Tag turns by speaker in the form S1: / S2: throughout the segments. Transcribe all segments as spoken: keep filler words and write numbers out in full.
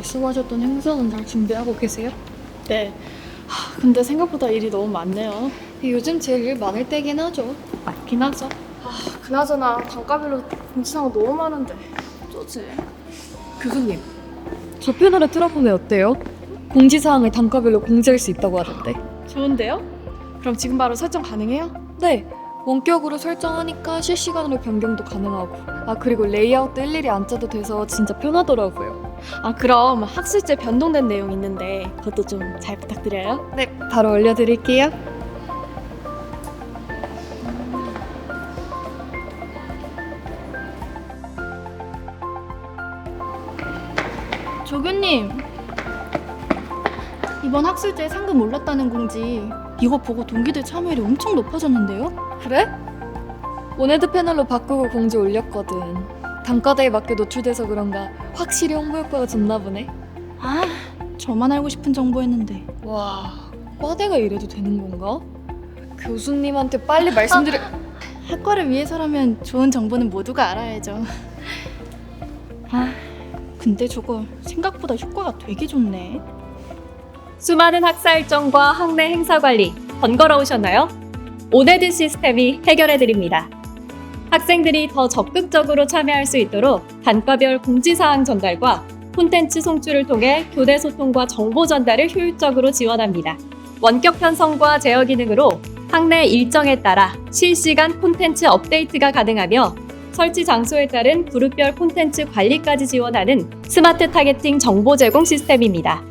S1: 말씀하셨던 행사는 잘 준비하고 계세요?
S2: 네. 하, 근데 생각보다 일이 너무 많네요.
S1: 요즘 제일 일 많을 때긴 하죠.
S2: 맞긴 하죠. 아, 그나저나 단가별로 공지사항 너무 많은데 어쩌지?
S1: 교수님, 저 패널에 틀어보면 어때요? 공지사항을 단가별로 공지할 수 있다고 하던데.
S2: 좋은데요? 그럼 지금 바로 설정 가능해요?
S1: 네, 원격으로 설정하니까 실시간으로 변경도 가능하고, 아 그리고 레이아웃도 일일이 안 짜도 돼서 진짜 편하더라고요.
S2: 아, 그럼 학술제 변동된 내용 있는데 그것도 좀 잘 부탁드려요.
S1: 네, 바로 올려드릴게요.
S2: 조교님, 이번 학술제 상금 올랐다는 공지 이거 보고 동기들 참여율이 엄청 높아졌는데요?
S1: 그래? 원헤드 패널로 바꾸고 공지 올렸거든. 단가대에 맞게 노출돼서 그런가 확실히 홍보 효과가 좋나 보네.
S2: 아, 저만 알고 싶은 정보였는데.
S1: 와, 과대가 이래도 되는 건가? 교수님한테 빨리 말씀드려...
S2: 학과를 위해서라면 좋은 정보는 모두가 알아야죠. 아, 근데 저거 생각보다 효과가 되게 좋네.
S3: 수많은 학사 일정과 학내 행사 관리 번거로우셨나요? 온헤드 시스템이 해결해드립니다. 학생들이 더 적극적으로 참여할 수 있도록 단과별 공지사항 전달과 콘텐츠 송출을 통해 교내 소통과 정보 전달을 효율적으로 지원합니다. 원격 편성과 제어 기능으로 학내 일정에 따라 실시간 콘텐츠 업데이트가 가능하며 설치 장소에 따른 그룹별 콘텐츠 관리까지 지원하는 스마트 타겟팅 정보 제공 시스템입니다.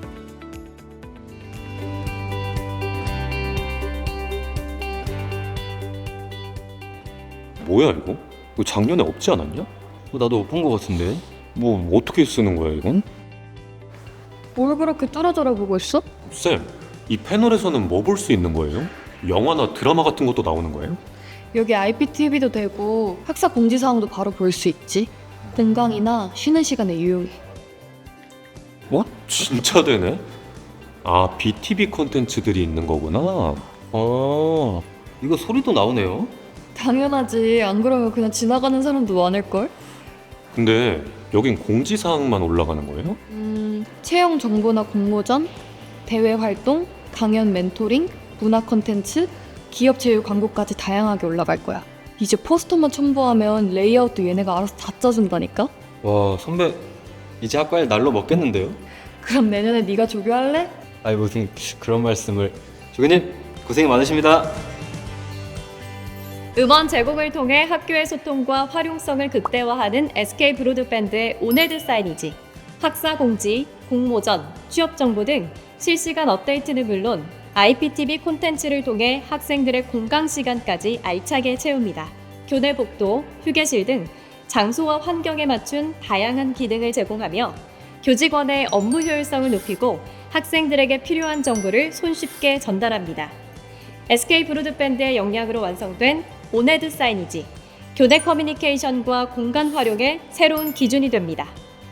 S4: 뭐야 이거? 이거 작년에 없지 않았냐?
S5: 어, 나도 못 본 거 같은데.
S4: 뭐 어떻게 쓰는 거야 이건?
S1: 뭘 그렇게 뚫어져라 보고 있어?
S4: 쌤, 이 패널에서는 뭐 볼 수 있는 거예요? 영화나 드라마 같은 것도 나오는 거예요?
S1: 여기 아이피티비도 되고 학사 공지사항도 바로 볼 수 있지. 등강이나 쉬는 시간에 유용해.
S4: 뭐? 진짜 되네? 아, 비티비 콘텐츠들이 있는 거구나.
S5: 아, 이거 소리도 나오네요.
S1: 당연하지. 안 그러면 그냥 지나가는 사람도 많을걸?
S4: 근데 여긴 공지사항만 올라가는 거예요?
S1: 음, 채용 정보나 공모전, 대외 활동, 강연 멘토링, 문화 콘텐츠, 기업 제휴 광고까지 다양하게 올라갈 거야. 이제 포스터만 첨부하면 레이아웃도 얘네가 알아서 다 짜준다니까?
S5: 와, 선배 이제 학과일 날로 먹겠는데요?
S1: 그럼 내년에 네가 조교할래?
S5: 아니 무슨 그런 말씀을. 조교님 고생 많으십니다.
S3: 음원 제공을 통해 학교의 소통과 활용성을 극대화하는 에스케이 브로드밴드의 온헤드 사이니지, 학사 공지, 공모전, 취업 정보 등 실시간 업데이트는 물론 아이피티비 콘텐츠를 통해 학생들의 공강 시간까지 알차게 채웁니다. 교내 복도, 휴게실 등 장소와 환경에 맞춘 다양한 기능을 제공하며 교직원의 업무 효율성을 높이고 학생들에게 필요한 정보를 손쉽게 전달합니다. 에스케이 브로드밴드의 역량으로 완성된 온헤드 사이니지, 교내 커뮤니케이션과 공간 활용의 새로운 기준이 됩니다.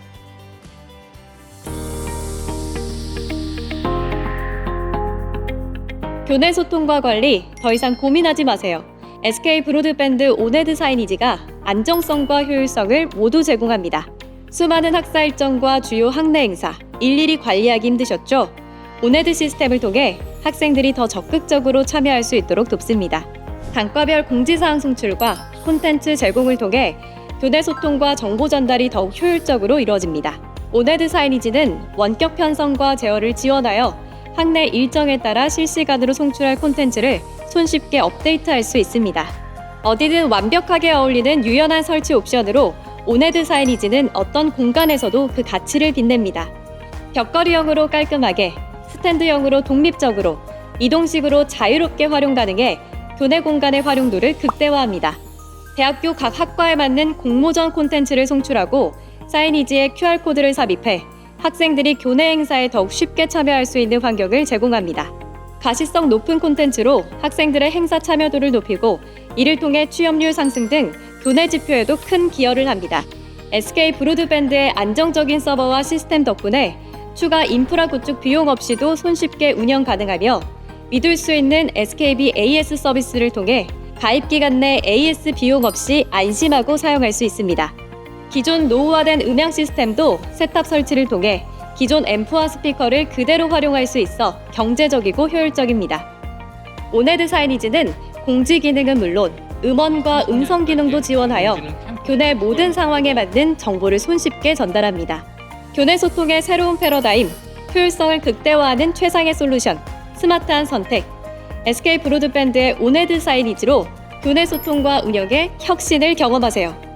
S3: 교내 소통과 관리 더 이상 고민하지 마세요. 에스케이 브로드밴드 온헤드 사이니지가 안정성과 효율성을 모두 제공합니다. 수많은 학사 일정과 주요 학내 행사 일일이 관리하기 힘드셨죠? 온헤드 시스템을 통해 학생들이 더 적극적으로 참여할 수 있도록 돕습니다. 단과별 공지사항 송출과 콘텐츠 제공을 통해 교내 소통과 정보 전달이 더욱 효율적으로 이루어집니다. 온헤드 사이니지는 원격 편성과 제어를 지원하여 학내 일정에 따라 실시간으로 송출할 콘텐츠를 손쉽게 업데이트할 수 있습니다. 어디든 완벽하게 어울리는 유연한 설치 옵션으로 온헤드 사이니지는 어떤 공간에서도 그 가치를 빛냅니다. 벽걸이형으로 깔끔하게, 스탠드형으로 독립적으로, 이동식으로 자유롭게 활용 가능해 교내 공간의 활용도를 극대화합니다. 대학교 각 학과에 맞는 공모전 콘텐츠를 송출하고 사이니지에 큐알코드를 삽입해 학생들이 교내 행사에 더욱 쉽게 참여할 수 있는 환경을 제공합니다. 가시성 높은 콘텐츠로 학생들의 행사 참여도를 높이고 이를 통해 취업률 상승 등 교내 지표에도 큰 기여를 합니다. 에스케이 브로드밴드의 안정적인 서버와 시스템 덕분에 추가 인프라 구축 비용 없이도 손쉽게 운영 가능하며 믿을 수 있는 에스케이비 에이에스 서비스를 통해 가입 기간 내 에이에스 비용 없이 안심하고 사용할 수 있습니다. 기존 노후화된 음향 시스템도 세탑 설치를 통해 기존 앰프와 스피커를 그대로 활용할 수 있어 경제적이고 효율적입니다. 오네드 사이니지는 공지 기능은 물론 음원과 음성 기능도 지원하여 교내 모든 상황에 맞는 정보를 손쉽게 전달합니다. 교내 소통의 새로운 패러다임, 효율성을 극대화하는 최상의 솔루션, 스마트한 선택, 에스케이 브로드밴드의 오네드 사이니지로 교내 소통과 운영의 혁신을 경험하세요.